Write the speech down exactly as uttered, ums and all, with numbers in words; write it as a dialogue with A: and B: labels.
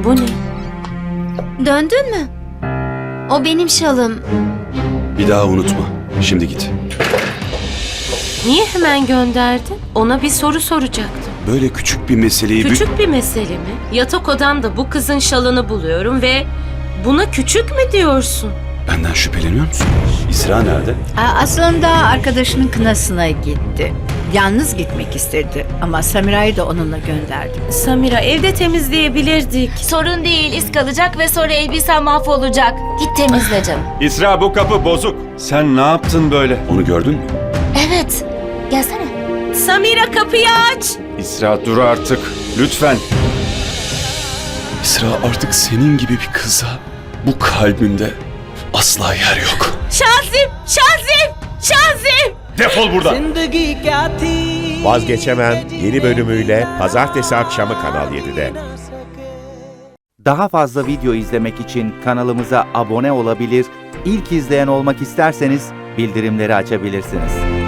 A: Bu ne?
B: Döndün mü? O benim şalım.
C: Bir daha unutma. Şimdi git.
A: Niye hemen gönderdin? Ona bir soru soracaktım.
C: Böyle küçük bir meseleyi...
A: Küçük bir mesele mi? Yatak odamda bu kızın şalını buluyorum ve buna küçük mü diyorsun?
C: Benden şüpheleniyor musun? İsra nerede?
D: Aa, Aslında arkadaşının kınasına gitti. Yalnız gitmek istedi ama Samira'yı da onunla gönderdim.
A: Samira, evde temizleyebilirdik.
B: Sorun değil, iz kalacak ve sonra elbisen mahvolacak. Git temizle canım.
E: İsra, bu kapı bozuk. Sen ne yaptın böyle?
C: Onu gördün mü?
B: Evet, gelsene.
A: Samira, kapıyı aç!
E: İsra, dur artık. Lütfen.
C: İsra, artık senin gibi bir kıza bu kalbimde asla yer yok.
A: Şazim! Şazim! Şazim!
E: Defol buradan.
F: Vazgeçemem yeni bölümüyle pazartesi akşamı Kanal yedide.
G: Daha fazla video izlemek için kanalımıza abone olabilir, ilk izleyen olmak isterseniz bildirimleri açabilirsiniz.